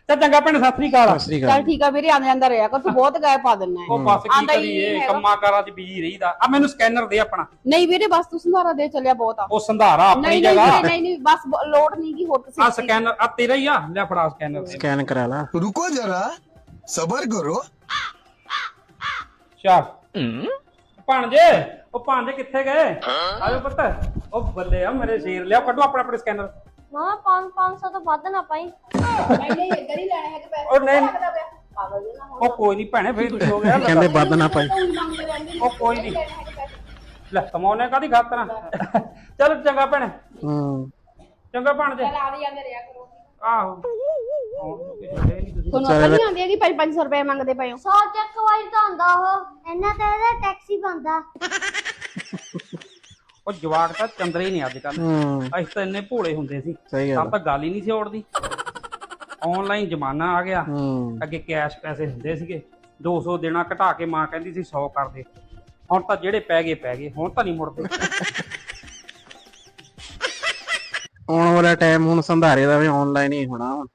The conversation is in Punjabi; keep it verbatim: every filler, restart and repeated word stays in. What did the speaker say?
ਚੱਲ ਚੰਗਾ ਭੈਣ ਸਤਿ ਸ੍ਰੀ ਅਕਾਲ। ਸਤਿ ਸ੍ਰੀ ਚੱਲ ਅਕਾਲ। ਠੀਕ ਆ ਵੀਰੇ, ਆਂਦਾ ਜਾਂਦਾ ਰਿਹਾ ਕਰ, ਤੂੰ ਬਹੁਤ ਗਾਇ ਪਾ ਦਿੰਨਾ ਉਹ ਬਸ ਕੀ ਆਂਦਾ ਹੀ ਕਰੀਏ ਨਹੀਂ ਹੈਗਾ। ਕੰਮਾਂ ਕਾਰਾਂ 'ਚ ਬਿਜੀ ਰਹੀਦਾ। ਆ ਮੈਨੂੰ ਸਕੈਨਰ ਦੇ ਆਪਣਾ। ਨਹੀਂ ਵੀਰੇ ਬਸ ਤੂੰ ਸੰਧਾਰਾ ਦੇ ਚੱਲਿਆ ਬਹੁਤ ਆ। ਉਹ ਸੰਧਾਰਾ ਆਪਣੀ ਨਹੀਂ ਨਹੀਂ ਜਗ੍ਹਾ। ਵੀਰੇ, ਨਹੀਂ ਨਹੀਂ ਬਸ ਬ- ਲੋੜ ਨਹੀਂ ਕੀ ਹੋਰ ਆ ਤੁਸੀਂ ਸਕੈਨਰ ਆ ਤੇਰਾ ਹੀ ਆ, ਲੈ ਫੜਾ ਸਕੈਨਰ ਦੇ। ਸਕੈਨ ਕਰਾ ਲਾ। रुको जरा सबर करो। ਚੱਲ ਭਾਣਜੇ, ਉਹ ਭਾਣਜੇ ਕਿੱਥੇ ਗਏ? ਆਜੋ ਪੁੱਤ। ਉਹ ਬੱਲੇ ਆ ਮੇਰੇ ਸ਼ੇਰ, ਲਿਆ ਕੱਢੋ ਆਪਣਾ ਆਪਣਾ ਸਕੈਨਰ। ਮਾਂ ਪੰਜ ਪੰਜ ਸੌ ਤੋਂ ਵੱਧ ਨਾ ਪਾਈ। ਨਹੀਂ ਨਹੀਂ ਇੱਧਰ ਹੀ ਲੈਣੇ ਹੈਗੇ ਪੈਸੇ। ਉਹ ਨਹੀਂ ਪਾਗਲ ਜੇ ਨਾ ਉਹ ਕੋਈ ਨਹੀਂ ਭੈਣੇ, ਫੇਰ ਕੁਝ ਹੋ ਗਿਆ। ਕਹਿੰਦੇ ਵੱਧ ਨਾ ਪਾਈ। ਮੰਗਦੇ ਰਹਿੰਦੇ ਨੇ। ਉਹ ਕੋਈ ਨਹੀਂ, ਲੈ ਕਮਾਉਣੇ ਕਾਦੀ ਖਾਤਰ। ਚਲ ਚੰਗਾ ਭੈਣੇ, ਹੂੰ ਚੰਗਾ ਭਾਣਜੇ। ਚੱਲ ਆ ਵੀ ਜਾਂਦੇ ਰਿਹਾ ਕਰੋ। ਆਹੋ ਹੁਣ ਕਿਸੇ ਦੇ ਨਹੀਂ ਤੁਸੀਂ। ਤੁਹਾਨੂੰ ਅਕਲ ਨਹੀਂ ਆਉਂਦੀ ਹੈਗੀ ਪੰਜ ਪੰਜ ਸੌ ਰੁਪਏ ਮੰਗਦੇ ਪਏ ਹੋ। ਸੌ ਚੱਕ ਵਾਈ ਤਾਂ ਹੁੰਦਾ ਉਹ, ਇਹਨਾਂ ਤੇ ਇਹਦਾ ਟੈਕਸੀ ਬੰਦਾ। ਉਹ ਜਵਾਕ ਤਾਂ ਚੰਦਰੇ ਹੀ ਨਹੀਂ ਅੱਜ ਕੱਲ। ਹੂੰ ਅਸੀਂ ਤਾਂ ਇੰਨੇ ਭੋਲੇ ਹੁੰਦੇ ਸੀ, ਸਹੀ ਤਾਂ ਗੱਲ। ਤਾਂ ਗੱਲ ਹੀ ਨਹੀਂ ਸੀ ਔੜਦੀ। ਆਨਲਾਈਨ ਜ਼ਮਾਨਾ ਆ ਗਿਆ। ਹੂੰ ਅੱਗੇ ਕੈਸ਼ ਪੈਸੇ ਹੁੰਦੇ ਸੀਗੇ, ਦੋ ਸੌ ਦੇਣਾ ਘਟਾ ਕੇ ਮਾਂ ਕਹਿੰਦੀ ਸੀ ਸੌ ਕਰ ਦੇ। ਹੁਣ ਤਾਂ ਜਿਹੜੇ ਪੈ ਗਏ ਪੈ ਗਏ, ਹੁਣ ਤਾਂ ਨਹੀਂ ਮੁੜਦੇ। ਆਉਣ ਵਾਲਾ ਟਾਈਮ ਹੁਣ ਸੰਧਾਰੇ ਦਾ ਵੀ ਆਨਲਾਈਨ ਹੀ ਹੋਣਾ।